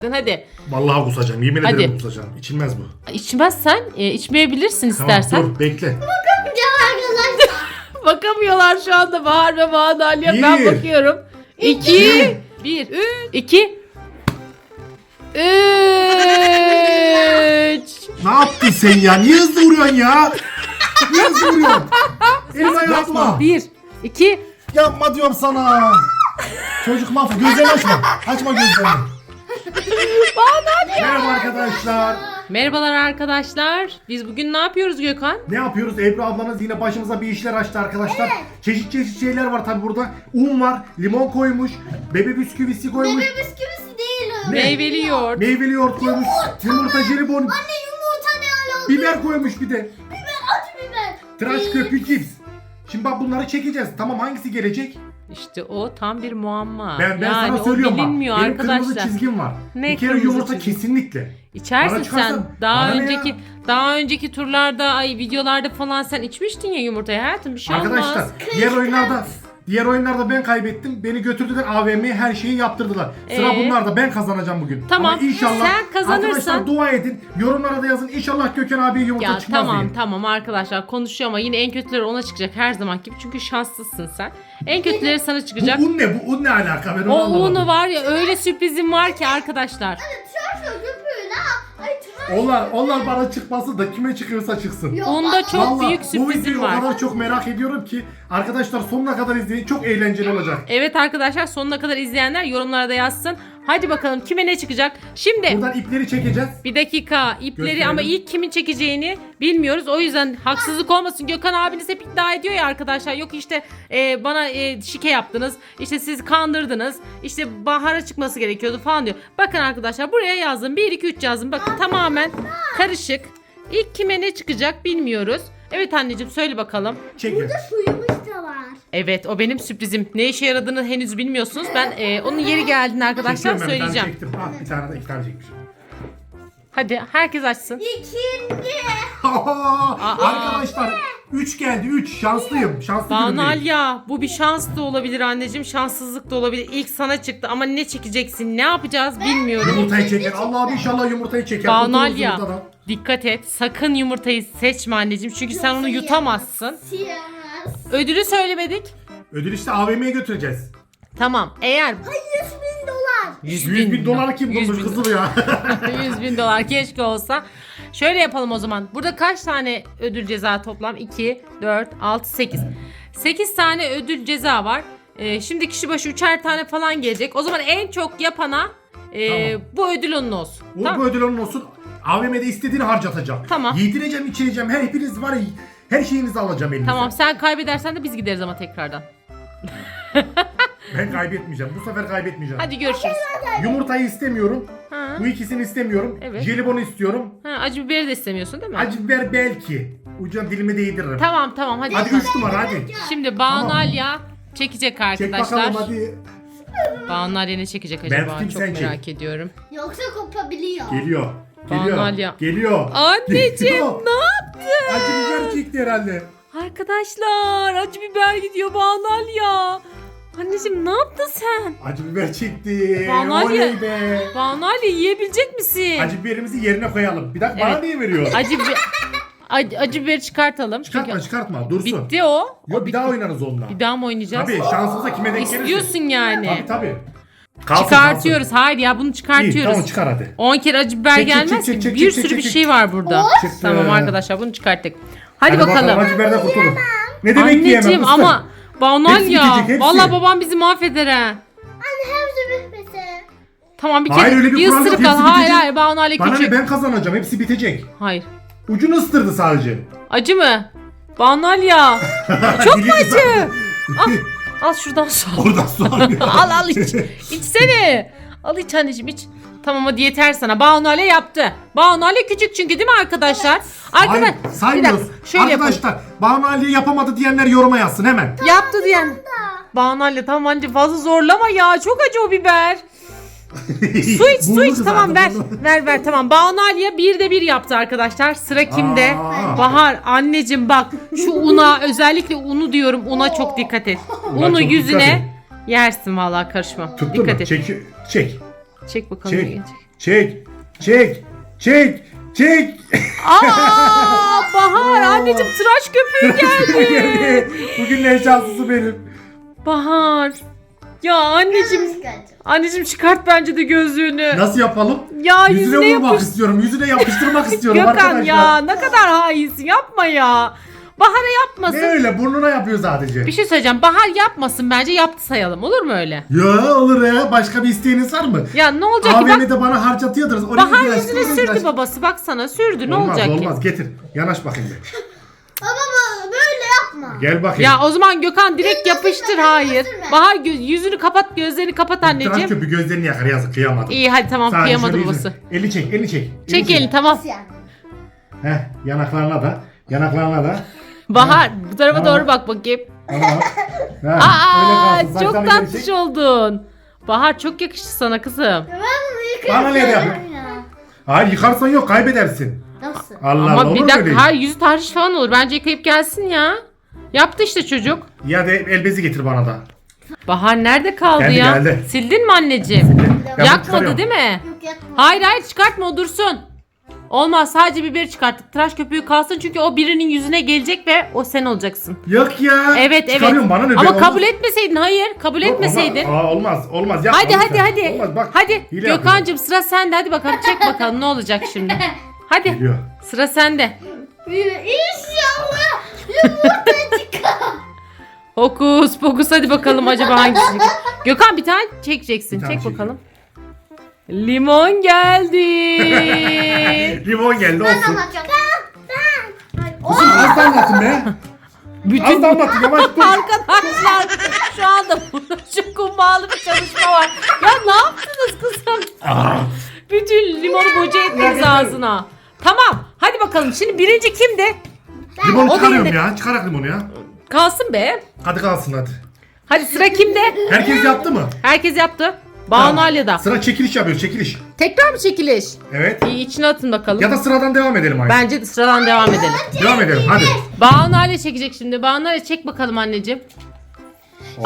Hadi. Vallahi kusacağım. Yemin Hadi. ederim kusacağım. İçilmez bu. İçmezsen içmeyebilirsin istersen. Tamam dur bekle. Bakamıyorlar şu anda Bahar ve Madalya. Ben Bir. bakıyorum. 2 1 2 3. Ne yaptın sen ya? Niye hızlı vuruyorsun ya? Niye hızlı vuruyorsun? Elma yapma. 1 2 Yapma diyorum sana. Çocuk mahvol. Gözlerini açma. Açma gözlerini. Merhaba arkadaşlar. Merhabalar arkadaşlar. Biz bugün ne yapıyoruz Gökhan? Ne yapıyoruz? Ebru ablanız yine başımıza bir işler açtı arkadaşlar. Çeşit çeşit şeyler var tabi burada. Un var, limon koymuş, bebe bisküvisi koymuş, Bebe bisküvisi değil o. Meyveli yoğurt. meyveli yoğurt koymuş, yumurta jelibon, Anne yumurta ne alaka? biber koymuş bir de. Acı biber. Tıraş köpüğü cips. Şimdi bak bunları çekeceğiz. Tamam hangisi gelecek? İşte o tam bir muamma. Ben yani sana o söylüyorum bak. bilinmiyor Benim kırmızı arkadaşlar. çizgim var. Ne bir kere kırmızı yumurta çizgi? kesinlikle. İçersin Bana çıkarsa sen. bana ne ya? Daha önceki turlarda, videolarda falan sen içmiştin ya yumurtayı hayatım. Bir şey Arkadaşlar olmaz. diğer oyunlarda ben kaybettim. Beni götürdüler AVM'ye, her şeyi yaptırdılar. Sıra bunlarda, ben kazanacağım bugün. Tamam, Ama inşallah sen kazanırsan- arkadaşlar dua edin. Yorumlara da yazın. İnşallah Gökhan abiye yumurta Ya çıkmaz tamam diye. tamam arkadaşlar konuşuyor ama yine en kötüleri ona çıkacak her zaman gibi. Çünkü şanslısın sen. En kötüleri sana çıkacak. Bu un ne? Bu un ne alaka? Ben onu O anlamadım. unu var ya öyle sürprizim var ki arkadaşlar. Tıraş köpüğü la. Ay tıraş. Onlar bana çıkmasın da kime çıkıyorsa çıksın. Yok, Onda çok Vallahi büyük bu sürprizim videoyu var. o kadar çok merak ediyorum ki arkadaşlar sonuna kadar izleyin. Çok eğlenceli olacak. Evet arkadaşlar sonuna kadar izleyenler yorumlara da yazsın. Hadi bakalım kime ne çıkacak. Şimdi Buradan ipleri çekeceğiz. bir dakika ipleri Gösterelim. ama ilk kimin çekeceğini bilmiyoruz. O yüzden haksızlık olmasın. Gökhan abiniz hep iddia ediyor ya arkadaşlar. Yok işte bana şike yaptınız. İşte siz kandırdınız. İşte Bahar'a çıkması gerekiyordu falan diyor. Bakın arkadaşlar buraya yazdım. 1 2 3 yazdım. Bakın tamamen karışık. İlk kime ne çıkacak bilmiyoruz. Evet anneciğim söyle bakalım. Çekin. Suyumuz da var. Evet o benim sürprizim. Ne işe yaradığını henüz bilmiyorsunuz. Ben onun yeri geldiğinde arkadaşlar Çekiyorum ben, bir tane söyleyeceğim. çektim. Bir tane de iki tane çekmişim. Hadi herkes açsın. İkinci. Arkadaşlar 3 geldi 3. Şanslıyım. Şanslı günümdeyim. Banalya bu bir şans da olabilir anneciğim, şanssızlık da olabilir. İlk sana çıktı ama ne çekeceksin, ne yapacağız bilmiyorum. Yumurtayı çeker. Allah'ım inşallah yumurtayı çeker. Banalya Kurtuluruz yumurtadan. dikkat et, sakın yumurtayı seçme anneciğim çünkü sen onu yutamazsın. Siyemez. Ödülü söylemedik. Ödül işte AVM'ye götüreceğiz. Tamam eğer 100.000 dolar. 100 bin dolar kim 100 bulmuş bin- kızım ya? 100 bin dolar keşke olsa. Şöyle yapalım o zaman. Burada kaç tane ödül ceza toplam? 2, 4, 6, 8. 8 tane ödül ceza var. Şimdi kişi başı 3'er tane falan gelecek. O zaman en çok yapana Tamam. bu ödül onun olsun. Bu Tamam. ödül onun olsun. AVM'de istediğini harcatacağım. Tamam. Yedireceğim, içireceğim. Hepiniz var ya, her şeyinizi alacağım elinize. Tamam sen kaybedersen de biz gideriz ama tekrardan. Ben kaybetmeyeceğim. Bu sefer kaybetmeyeceğim. Hadi görüşürüz. Yumurtayı istemiyorum. Ha. Bu ikisini istemiyorum. Evet. Jelibonu istiyorum. Ha, acı biberi de istemiyorsun değil mi? Acı biber belki. Ucuna dilime değdiririm. Tamam tamam hadi. Hadi 3 numara hadi. Şimdi Banalya çekecek Çek arkadaşlar. bakalım hadi. Banalya ne çekecek Ben acaba? tutayım, Çok sen çek. merak ediyorum. Yoksa kopabiliyor. Geliyor. Geliyor. Banalya. Geliyor. Anneciğim Geliyor. ne yaptın? Acı biber çekti herhalde. Arkadaşlar acı biber gidiyor Banalya. Anneciğim ne yaptın sen? Acı biber çekti. Banalya. Oley be. Banalya yiyebilecek misin? Acı biberimizi yerine koyalım. Bir dakika bana Evet. niye veriyor? Acı biberi çıkartalım. Çıkartma Çünkü çıkartma dursun. bitti o. Yok bir daha oynarız onunla. Bir daha mı oynayacağız? Tabii şansımıza kime denk gelirse. İstiyorsun yani. Tabii. Kalsın, Çıkartıyoruz. Hayır ya bunu kalsın. İyi çıkartıyoruz. tamam çıkar hadi. 10 kere acı biber Çek, çek, gelmez çek, ki. çek, Bir çek, sürü çek, bir çek. şey var burada. Çıktı. Tamam arkadaşlar bunu çıkarttık. Hadi bakalım. Acı biberden kurtulun. Ne demek yiyemem Anneciğim fıstık? ama Banalya. Hepsi gidecek, hepsi. Vallahi babam bizi mahveder ha. Anne hepsi bitmesi. Tamam bir Hayır, kere öyle bir kural yok, ısırık al. hepsi Hayır bitecek. hayır Banalya Bana küçük. ne, ben kazanacağım, hepsi bitecek. Hayır. Ucunu ısırdı sadece. Acı mı? Banalya. Çok mu acı? Al şuradan su. Oradan su alıyor. Al iç. İçsene. Al iç anneciğim iç. Tamam hadi yeter sana. Banalya yaptı. Banalya küçük çünkü değil mi arkadaşlar? Hayır, Bir saymıyoruz. dakika, şöyle yapalım. Arkadaşlar Banu Ali yapamadı diyenler yoruma yazsın hemen. Yaptı diyen. Banalya tamam anneciğim fazla zorlama ya. Çok acı o biber. Su iç su Buldu iç tamam ver. kızardı, buldu. Ver tamam. Banalya 1'de 1 yaptı arkadaşlar. Sıra kimde? Aa. Bahar anneciğim bak şu una özellikle unu diyorum una çok dikkat et. Ulan Unu çok yüzüne dikkat yersin vallahi karışma. Tuttu Dikkat mu? et. Çek. Çek bakalım. Çek. ne gelecek. Çek. Çek. Çek. Çek. Aa, Bahar anneciğim tıraş köpüğü geldi. Bugün en şanslısı benim. Bahar. Ya anneciğim. Anneciğim çıkart bence de gözlüğünü. Nasıl yapalım? Ya Yüzüne yüzüne vurmak yapış. istiyorum. Yüzüne yapıştırmak istiyorum Gökhan arkadaşlar. ya ne kadar hainsin, yapma ya. Bahar'a yapmasın. Ne öyle? Burnuna yapıyor sadece. Bir şey söyleyeceğim. Bahar yapmasın bence, yaptı sayalım. Olur mu öyle? Ya olur ya. Başka bir isteğiniz var mı? Ya ne olacak ki bak. AVM'de bana harcatıyordunuz. Oraya Bahar tıraş, yüzüne oraya sürdü tıraş. babası. Baksana sürdü. Ne Olmaz, olacak olmaz. ki? Getir. Yanaş bakayım bir. Baba böyle yapma. Gel bakayım. Ya o zaman Gökhan direkt yapıştır. Hayır. sürme. Bahar yüzünü kapat, gözlerini kapat Tıraş anneciğim. köpüğü gözlerini yakar yazık kıyamadım. İyi hadi tamam, Sadece kıyamadı şöyle babası. yüzünü- Elini çek, elini çek. Çek elini, tamam. Nasıl yani? Heh, yanaklarına da. Yanaklarına da. Bahar bu tarafa Tamam. doğru bak bakayım. Tamam. Heh, Aa öyle kalsın. çok Saçlarını geri tatlış çek. oldun. Bahar çok yakıştı sana kızım. Ben bunu Bana ne yıkayacağım yapıyor? ya. Hayır yıkarsan yok kaybedersin. Nasıl? Allah Allah Ama olur bir mu dakika, öyle? hayır yüzü tahriş falan olur. Bence yıkayıp gelsin ya. Yaptı işte çocuk. Ya de el bezi getir bana da. Bahar nerede kaldı Geldi, ya? geldi. Sildin mi anneciğim? Ben bunu Yakmadı çıkarıyorum. değil mi? Yok yapma. Hayır hayır çıkartma, o dursun. Olmaz, sadece biberi çıkarttık. Tıraş köpüğü kalsın çünkü o birinin yüzüne gelecek ve o sen olacaksın. Yok ya. Evet evet. Çıkarıyorum bana ne? Ama be? kabul etmeseydin, hayır kabul Yok, etmeseydin. olmaz olmaz. Ya, Hadi hadi hadi. Olmaz bak. Hadi hile yapıyorum. Gökhan'cığım sıra sende, hadi bakalım çek bakalım ne olacak şimdi. Hadi Geliyor. sıra sende. İnşallah yumurta çıkar. Hokus pokus, hadi bakalım acaba hangisi? Gökhan bir tane çekeceksin. Bir tane Çek çekeyim. bakalım. Limon geldi. Limon geldi Ben olsun. anlatacağım. Ben. Kızım az damlatın be. Az damlatın yavaş dur. Arkadaşlar şu anda burada şu kumbağalı bir çalışma var. Ya ne yaptınız kızım? Ah, Bütün limonu boca ettiniz ağzına. Tamam hadi bakalım, şimdi birinci kimdi? Limonu O çıkarıyorum değildi. ya. Çıkarak limonu ya. Kalsın be. Hadi kalsın hadi. Hadi sıra kimde? Herkes yaptı mı? Herkes yaptı. Banu Alya'da. Sıra çekiliş yapıyoruz çekiliş. Tekrar mı çekiliş? Evet. İyi, içine atın bakalım. Ya da sıradan devam edelim aynı. Bence de sıradan devam edelim. Devam edelim hadi. Banu Alya çekecek şimdi. Banu Alya çek bakalım anneciğim. Oo,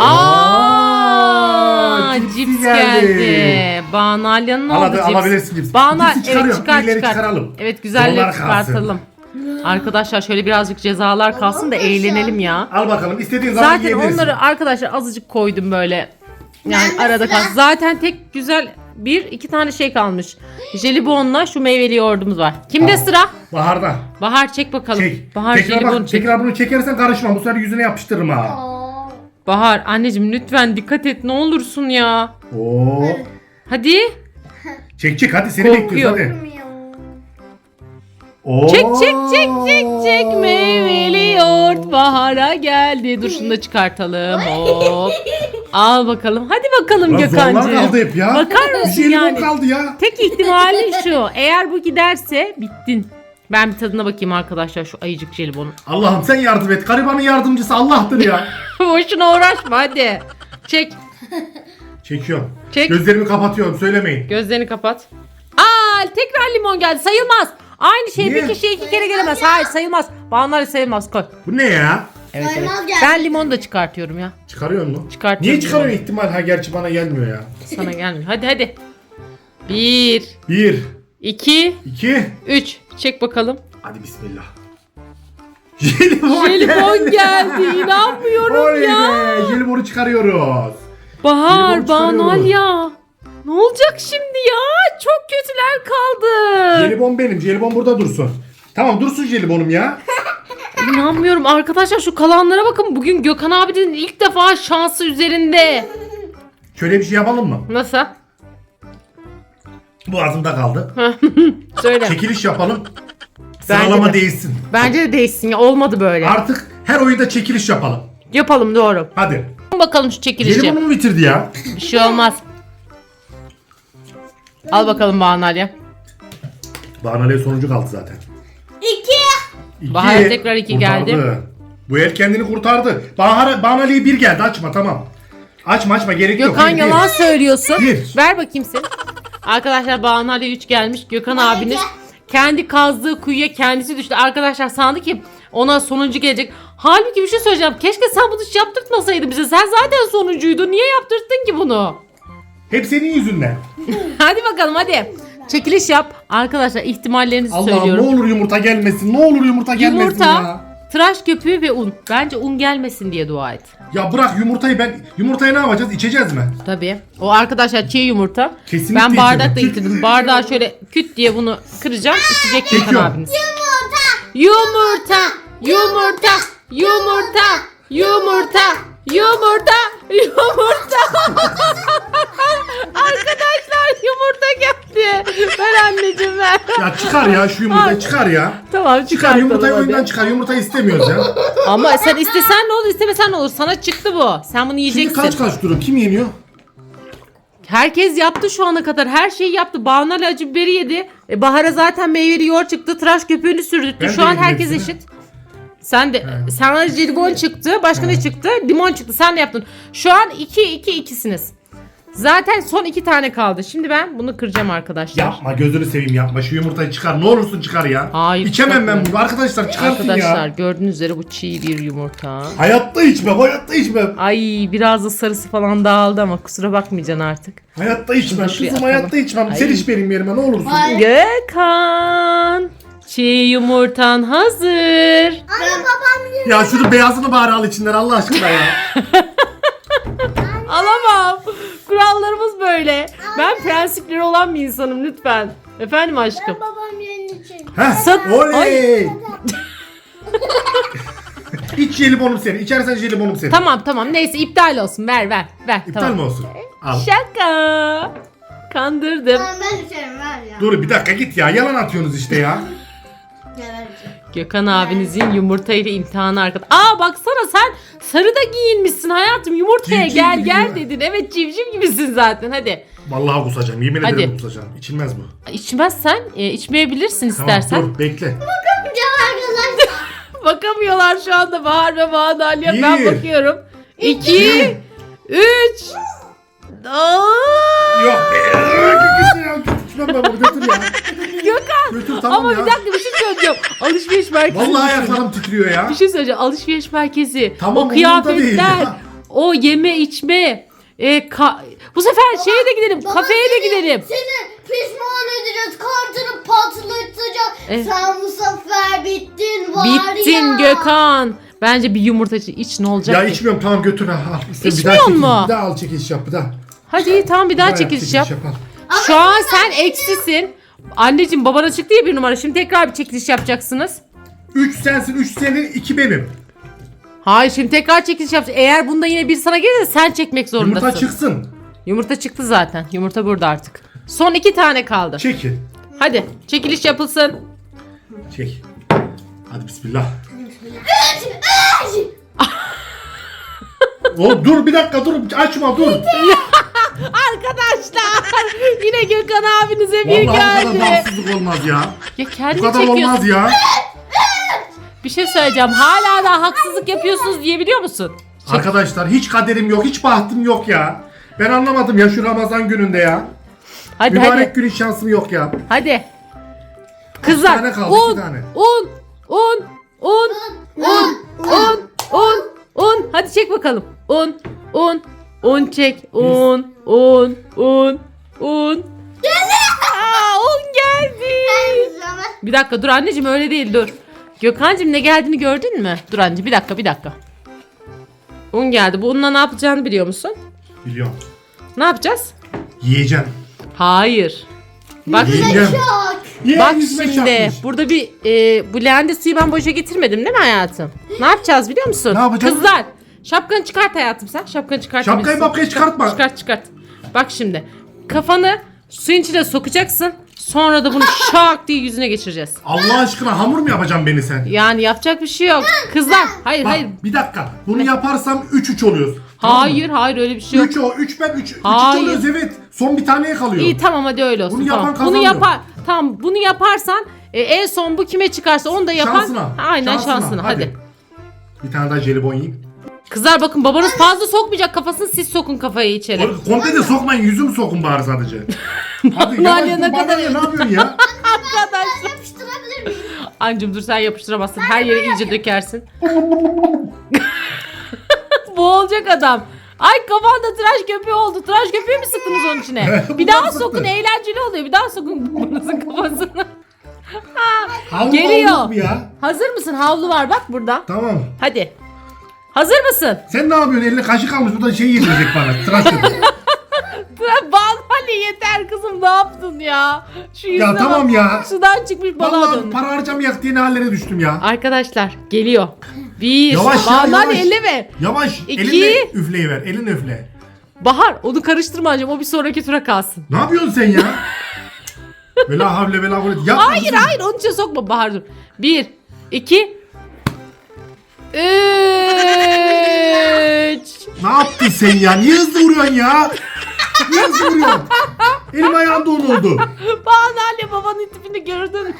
Aa, cipsi cips geldi. Banu Alya'nın ne Al oldu hadi, cips? alabilirsin cipsi. Banu Cipsi evet çıkarıyorum, çıkar iyileri çıkar. çıkaralım. Evet güzelleri Zorlar kalsın. çıkartalım. Arkadaşlar şöyle birazcık cezalar kalsın da eğlenelim ya. Al bakalım istediğin zaman Zaten yiyebilirsin. onları arkadaşlar azıcık koydum böyle. Yani Ben de arada sıra. kalsın. Zaten tek güzel iki tane şey kalmış. Jelibonla şu meyveli yoğurdumuz var. Kimde Tamam. sıra? Baharda. Bahar çek bakalım. Çek. Bahar tekrar jelibonu bak, çek. tekrar bunu çekersen karışma. Bu sefer yüzüne yapıştırırım ha. Aa. Bahar anneciğim lütfen dikkat et ne olursun ya. Oo. Hadi. Çek hadi seni Korkuyor. bekliyoruz hadi. Oo. Çek meyveli yoğurt Bahar'a geldi. Dur şunu da çıkartalım. Hop. Al bakalım. Hadi bakalım Lan zorlar kaldı Gökhan'cığım. hep ya. Bakar Bir mısın şey limon yani? kaldı ya. Tek ihtimali şu. Eğer bu giderse bittin. Ben bir tadına bakayım arkadaşlar şu ayıcık jelibonu. Allah'ım sen yardım et. Garibanın yardımcısı Allah'tır ya. Boşuna uğraşma hadi. Çek. Çekiyorum. Çek. Gözlerimi kapatıyorum söylemeyin. Gözlerini kapat. Aa tekrar limon geldi. Sayılmaz. Aynı şey Niye? bir kişiye iki kere gelemez. Hayır sayılmaz. Bağımlar sayılmaz. Koy. Bu ne ya? Evet, evet. Saymaz geldi. Ben limonu da çıkartıyorum ya. Çıkarıyor mu? Çıkartıyorum. Niye çıkarıyorsun ihtimal? Ha gerçi bana gelmiyor ya. Sana gelmiyor. Hadi. 1, 1, 2, 2, 3. Çek bakalım. hadi bismillah. Jelibon Jelibon geldi. İnanmıyorum Oley ya. be, jelibonu çıkarıyoruz. Bahar, Jelibon çıkarıyoruz. Banal ya. Ne olacak şimdi ya? Çok kötüler kaldı. Jelibon benim. Jelibon burada dursun. Tamam dursun jelibonum ya. İnanmıyorum arkadaşlar, şu kalanlara bakın. Bugün Gökhan abinin ilk defa şansı üzerinde. Şöyle bir şey yapalım mı? Nasıl? Boğazımda kaldı. Söyle. Çekiliş yapalım. Bence Sıralama de. değişsin. Bence de değişsin ya. Olmadı böyle. Artık her oyunda çekiliş yapalım. Yapalım doğru. Hadi. Bakalım şu çekilişi. Jelibonu mu bitirdi ya? Bir şey olmaz. Al bakalım Banal ya. Bahaneli'ye sonuncu kaldı zaten. 2. Bahar tekrar iki geldi. Bu el kendini kurtardı. Bahaneli'ye 1 geldi. Açma tamam. Açma gerek yok. Gökhan Bir, yalan söylüyorsun. Bir. Ver bakayım seni. Arkadaşlar Banal'e 3 gelmiş. Gökhan abiniz kendi kazdığı kuyuya kendisi düştü. Arkadaşlar sandı ki ona sonuncu gelecek. Halbuki bir şey söyleyeceğim. Keşke sen bunu hiç yaptırtmasaydın bize. Sen zaten sonuncuydun. Niye yaptırttın ki bunu? Hep senin yüzünden. Hadi bakalım hadi. Çekiliş yap. Arkadaşlar ihtimallerinizi Allah'ım ne söylüyorum. olur yumurta gelmesin. Ne olur yumurta gelmesin Yumurta, ya. tıraş köpüğü ve un. Bence un gelmesin diye dua et. Ya bırak yumurtayı yumurtayı ne yapacağız? İçeceğiz mi? Tabii. O arkadaşlar çiğ yumurta. Kesinlikle Ben bardakla içelim. getirdim. Bardağı şöyle küt diye bunu kıracağım. İçecek Gökhan Çekiyorum. abiniz. Yumurta. Yumurta. Yumurta. Yumurta. Yumurta. Yumurta. Arkadaşlar yumurta geldi. Ver anneciğim ver. Ya çıkar ya şu yumurtayı çıkar ya. Tamam Çıkar yumurtayı hadi. oyundan çıkar. Yumurtayı istemiyoruz ya. Ama sen istesen ne olur istemesen ne olur. Sana çıktı bu. Sen bunu Şimdi yiyeceksin. kaç durum? Kim yeniyor? Herkes yaptı şu ana kadar. Her şeyi yaptı. Banu Ali acı biberi yedi. Bahar'a zaten meyveli yoğurt çıktı. Tıraş köpüğünü sürdürttü. Ben Şu de an yedim herkes hepsini. eşit. Sen de sana jelibon çıktı. Başka ne çıktı? Limon çıktı. Sen de yaptın. Şu an 2-2-2'siniz. Zaten son 2 tane kaldı. Şimdi ben bunu kıracağım arkadaşlar. Yapma gözünü seveyim yapma. Şu yumurtayı çıkar. Ne olursun çıkar ya. Hayır, İçemem ben çıkartma. bunu. Arkadaşlar çıkartın Arkadaşlar ya. gördüğünüz üzere bu çiğ bir yumurta. Hayatta içmem. Hayatta içmem. Ay biraz da sarısı falan dağıldı ama kusura bakmayacaksın artık. Hayatta içmem. Şuraya Kızım atalım. hayatta içmem. Ay. Sen iç benim yerime ne olursun. Hayır. Gökhan. Çiğ yumurtan hazır. Anne babam yiyor. Ya şunu beyazını bari al içinden Allah aşkına ya. Alamam. Kurallarımız böyle. Ben prensipleri olan bir insanım lütfen. Efendim aşkım. Babam yenecek. Heh. Sat- Oley. İç jelibonum seni. İçersen jelibonum seni. Tamam neyse iptal olsun. Ver. İptal tamam. mi olsun? Al. Şaka. Kandırdım. Ben içerim ver ya. Dur bir dakika git ya. Yalan atıyorsunuz işte ya. Gebereceğim. Gökhan abinizin yumurta ile imtihanı arkadaş. Aa baksana sen sarı da giyinmişsin hayatım. Yumurtaya Civciv gel gibi gel ya. dedin. Evet civciv gibisin zaten hadi. Vallahi kusacağım. Yemin Hadi. ederim kusacağım. İçilmez bu. İçmezsen içmeyebilirsin Tamam istersen. dur bekle. Yapacağım arkadaşlar. Bakamıyorlar şu anda Bahar ve Banu Ali'ye. Ben Bir. bakıyorum. 2 3 Yok be. Götür ya. İçmem ben bunu götür ya. Gökhan. Götür tamam Ama ya. bir dakika bir şey söyleyeceğim. Alışveriş merkezi. Vallahi ayaklarım titriyor ya. Bir şey söyleyeceğim. Alışveriş merkezi. Tamam, o umurumda değil kıyafetler. ya. O yeme içme. Bu sefer şeye de gidelim. Kafeye de gidelim. Seni pişman edeceğiz. Kartını patlatacağız. Sen bu sefer bittin var ya. Bittin Gökhan. Bence bir yumurta iç ne olacak Ya ki? içmiyorum tamam götür ha. Al. İşte İçmiyor mu? Bir daha al çekiliş yap bir daha. Hadi iyi, tamam bir daha yap, çekiliş yap. al. Şu an sen eksisin. Anneciğim babana çıktı ya bir numara. Şimdi tekrar bir çekiliş yapacaksınız. 3 sensin 3 senin 2 benim. Hayır şimdi tekrar çekiliş yapacağız. Eğer bunda yine bir sana gelirse sen çekmek zorundasın. Yumurta çıksın. Yumurta çıktı zaten. Yumurta burada artık. Son 2 tane kaldı. Çekil. Hadi çekiliş yapılsın. Çek. Hadi bismillah. Oğlum dur bir dakika dur açma dur. Arkadaşlar yine Gökhan abinize bir Vallahi bu kadar geldi. bağımsızlık olmaz ya. Ya Bu kendin kadar çekiyorsun. olmaz ya. Bir şey söyleyeceğim. Hala da haksızlık yapıyorsunuz diyebiliyor musun? Arkadaşlar hiç kaderim yok hiç bahtım yok ya. Ben anlamadım ya şu Ramazan gününde ya. Hadi Mübarek hadi. günün şansım yok ya. Hadi. Kızlar. tane kaldı? Un, 2 tane. un. Hadi çek bakalım. Un çek. Un. Aa, un geldi. Bir dakika dur anneciğim öyle değil dur. Gökhan'cığım ne geldiğini gördün mü? Dur anneciğim bir dakika. Un geldi. Bu unla ne yapacağını biliyor musun? Biliyorum. Ne yapacağız? Yiyeceğim. Hayır. Bak Yiyeceğim. Ye, Bak yüzüme şimdi çarpmış. burada bir bu leğende suyu ben boşa getirmedim değil mi hayatım? Ne yapacağız biliyor musun? Ne yapacağız? Kızlar şapkanı çıkart hayatım sen. Şapkanı çıkartabilirsin. Şapkayı mapkayı çıkartma. Çıkart. Bak şimdi kafanı suyun içine sokacaksın. Sonra da bunu şak diye yüzüne geçireceğiz. Allah aşkına hamur mu yapacaksın beni sen? Yani yapacak bir şey yok. Kızlar hayır Bak hayır. bir dakika. Bunu yaparsam 3-3 oluyoruz. Hayır öyle bir şey yok. 3 o 3 ben 3 Hayır. oluyoruz evet. Son bir taneye kalıyor. İyi tamam hadi öyle olsun. Bunu yapan tamam. kazanıyor. Tamam bunu yaparsan en son bu kime çıkarsa onu da yapan. Şansına. Aynen şansına. Hadi. Bir tane daha jelibon yiyeyim. Kızlar bakın babanız fazla sokmayacak kafasını siz sokun kafayı içeri. Komple de sokmayın yüzümü sokun bari sadece. Hadi Nalia yavaş ne dur bana kadar- ne yapıyorsun ya? Arkadaşlar. Yapıştırabilir miyim? Ancım dur sen yapıştıramazsın. Her yere iyice dökersin. Boğulacak adam. Ay kafanda tıraş köpüğü oldu. Tıraş köpüğü mü sıktınız onun içine? Bir daha Bunlar sokun, sıktı. eğlenceli oluyor. Bir daha sokun babanızın kafasına. Havlu Geliyor. aldık mı ya? Hazır mısın? Havlu var bak burada. Tamam. Hadi. Hazır mısın? Sen ne yapıyorsun? Eline kaşık almış. Buradan şey yedirecek bana. Tıraş köpüğü. Bal yeter kızım, ne yaptın ya? Şu yüzüne Ya tamam bak. ya. Sudan çıkmış balığa Vallahi döndü. para harcamayak diye ne hallere düştüm ya. Arkadaşlar geliyor. Bir. Yavaş ya, Bahar yavaş. elleme. Yavaş. İki. Elinle üfleyiver. Elinle üfle. Bahar onu karıştırma anneciğim, o bir sonraki tura kalsın. Ne yapıyorsun sen ya? Vela havle vela kuvvet. Yapma Hayır kızım. hayır, onun içine sokma Bahar, dur. 1, 2, 3. Ne yaptın sen ya? Niye hızlı vuruyorsun ya? Niye hızlı vuruyorsun? Elim ayağım don oldu. Bahar anne babanın tipini gördün.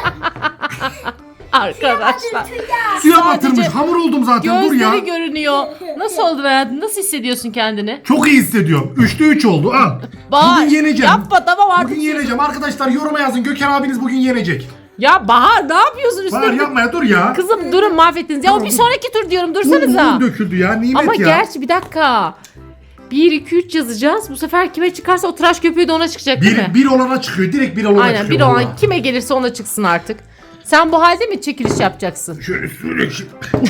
Arkadaşlar. Suya Sadece batırmış. Hamur oldum zaten. Dur ya. gözleri görünüyor. Nasıl oldu hayatım? Nasıl hissediyorsun kendini? Çok iyi hissediyorum. 3'te 3 oldu. Al. Bahar Bugün yeneceğim. yapma, tamam artık. Bugün yeneceğim. Arkadaşlar yoruma yazın. Gökhan abiniz bugün yenecek. Ya Bahar ne yapıyorsun üstüne? Bahar yapma ya, dur ya. Kızım durun, mahvettiniz. Ya o Tamam. bir sonraki tur diyorum, Un dursanıza. döküldü ya. Nimet Ama ya. gerçi bir dakika. 1, 2, 3 yazacağız. Bu sefer kime çıkarsa o tıraş köpüğü de ona çıkacak değil mi? Bir olana çıkıyor. Direkt bir olana Aynen, çıkıyor. bir olan vallahi. kime gelirse ona çıksın artık. Sen bu halde mi çekiliş yapacaksın? Şöyle söyle şimdi.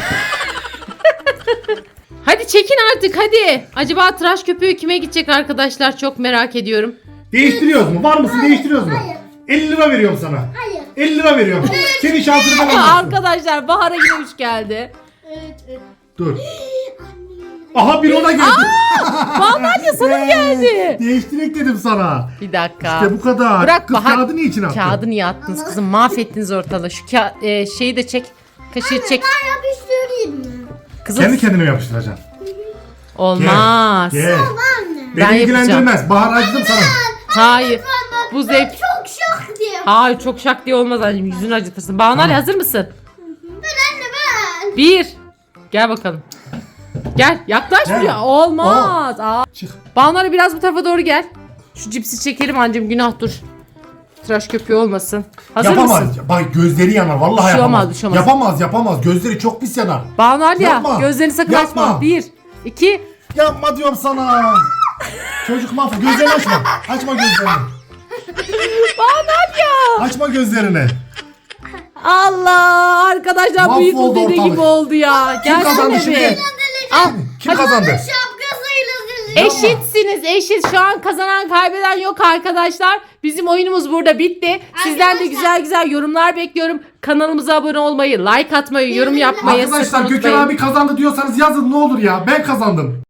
Hadi çekin artık hadi. Acaba tıraş köpüğü kime gidecek arkadaşlar, çok merak ediyorum. Değiştiriyoruz mu? Var mısın? Değiştiriyoruz mu? Hayır. 50 lira veriyorum sana. Hayır. 50 lira veriyorum. Senin şansını ben alırsın. Arkadaşlar Bahar'a yine 3 geldi. Evet. Dur. Aha bir ona geldi. Vallahi sana mı geldi? Değiştirek dedim sana. Bir dakika. İşte bu kadar. Bırak Kız Bahar. kağıdı niçin attın? Kağıdı niye attınız kızım? Mahvettiniz ortalığı. Şu şeyi de çek. Kaşığı çek. Ben yapıştırayım mı? Kızım Kendi kendine yapacaksın. olmaz. Gel. Anne. Ben Beni ilgilendirmez. Bahar acıdım sana. Hayır. Bu zevk. Çok şok diye. Hayır, çok şak diye olmaz anneciğim. Yüzünü acıtırsın. Banu Ali, hazır mısın? Ben anne ben. 1. Gel bakalım. Gel. Yaklaş Gel. buraya. Olmaz. Aa. Çık. Banu Ali biraz bu tarafa doğru gel. Şu cipsi çekelim anneciğim. Günah, dur. Tıraş köpüğü olmasın. Hazır Yapamaz. mısın? Bak gözleri yanar. Vallahi Bir şey yapamaz. olmaz, bir şey olmaz. Yapamaz. Gözleri çok pis yanar. Banu Ali ya. Yapma. Gözlerini sakın Yapma. açma. 1, 2. Yapma diyorum sana. Çocuk mahvol. Gözlerini açma. Açma gözlerini. Banu Ali ya. Açma gözlerini. Allah, arkadaşlar Mahvoldu büyük bu dediği ortalık. gibi oldu ya. Kim kazandı Gelsene şimdi? bir. Al. Kim kazandı? Şapkasıyla sileceğim. Eşitsiniz, eşit. Şu an kazanan kaybeden yok arkadaşlar. Bizim oyunumuz burada bitti. Sizden de güzel güzel yorumlar bekliyorum. Kanalımıza abone olmayı, like atmayı, yorum yapmayı sakın Arkadaşlar Gökhan unutmayın. abi kazandı diyorsanız yazın ne olur ya. Ben kazandım.